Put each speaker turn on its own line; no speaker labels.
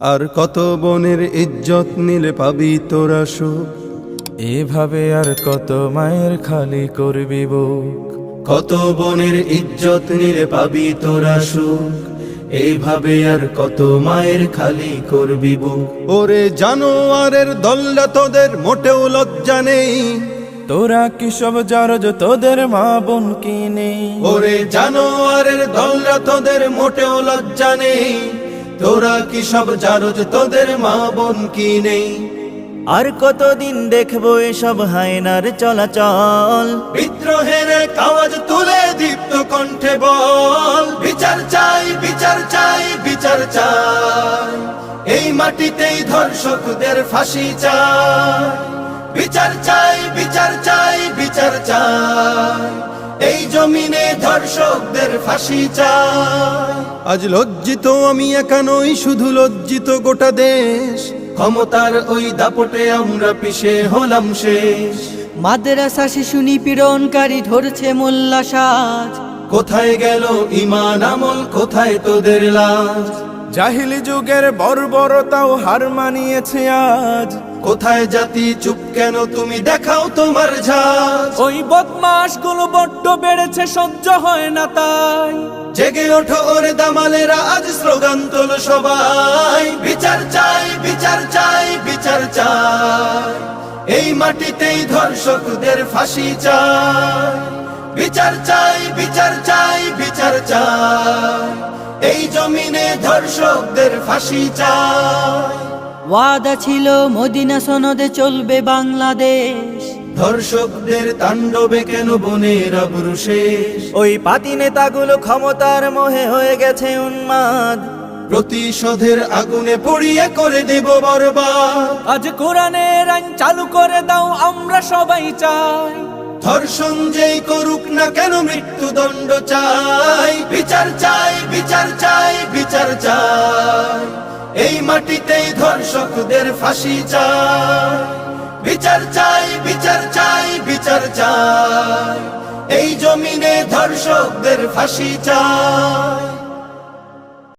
আর কত বনের ইজ্জত নিলে পাবি তোরা সুখ,
এভাবে আর কত মায়ের খালি করবি বুক।
কত বনের ইজ্জত নিলে পাবি তোরা সুখ, এইভাবে আর কত মায়ের খালি করবি বুক। ওরে জানোয়ারের দল্লা তোদের মোটেও লজ্জা নেই,
তোরা কি সব জারজ তোদের মা বোন কি নেই?
ওরে জানোয়ারের দল্লা তোদের মোটেও লজ্জা নেই, তোরা কি সব জারজ তোদের মা বোন কি নেই?
আর কতদিন দেখবো এসব হায়নার চলাচল,
বিদ্রোহের আওয়াজ তুলে দীপ্ত কণ্ঠে বল, বিচার চাই বিচার চাই বিচার চাই, এই মাটিতেই ধর্ষকদের ফাঁসি চাই। বিচার চাই বিচার চাই বিচার চাই, এই জমিনে ধর্ষকদের ফাঁসি চাই। আজ লজ্জিত আমি একা নই, শুধু লজ্জিত গোটা দেশ, ক্ষমতার ওই দাপটে আমরা পিছে হলাম শেষ।
মাদ্রাসা শিশু নিপীড়নকারী ধরছে মোল্লা সাজ,
কোথায় গেল ঈমান আমল, কোথায় তোদের লাজ?
জাহিলি যুগের বর্বরতাও হার মানিয়েছে আজ।
কোথায় জাতি চুপ কেন, তুমি দেখাও তোমার ঝাঁজ।
ওই বদমাশ গুলো বড্ড বেড়েছে, সহ্য হয় না তাই।
জেগে ওঠো ওরে দামালেরা, আজ স্লোগান তোলো সবাই, বিচার চাই বিচার চাই বিচার চাই, এই মাটিতেই ধর্ষকদের ফাঁসি চাই। বিচার চাই বিচার চাই বিচার চাই, এই জমিনে ধর্ষকদের ফাঁসি চাই।
ওয়াদা ছিল মদিনা সনদে চলবে বাংলাদেশ,
ধর্ষকদের তাণ্ডবে কেন বনের আবরু শেষ?
ওই পাতি নেতাগুলো ক্ষমতার মোহে হয়ে গেছে উন্মাদ,
প্রতিশোধের আগুনে পুড়িয়ে করে দেব বরবাদ।
আজ কোরআনের আইন চালু করে দাও, আমরা সবাই চাই।
ধর্ষণ যেই করুক না কেন মৃত্যুদণ্ড চাই। বিচার চাই বিচার চাই বিচার চাই, এই মাটিতেই ধর্ষকদের ফাঁসি চাই। বিচার চাই বিচার চাই বিচার চাই, এই জমিনে ধর্ষকদের ফাঁসি চাই।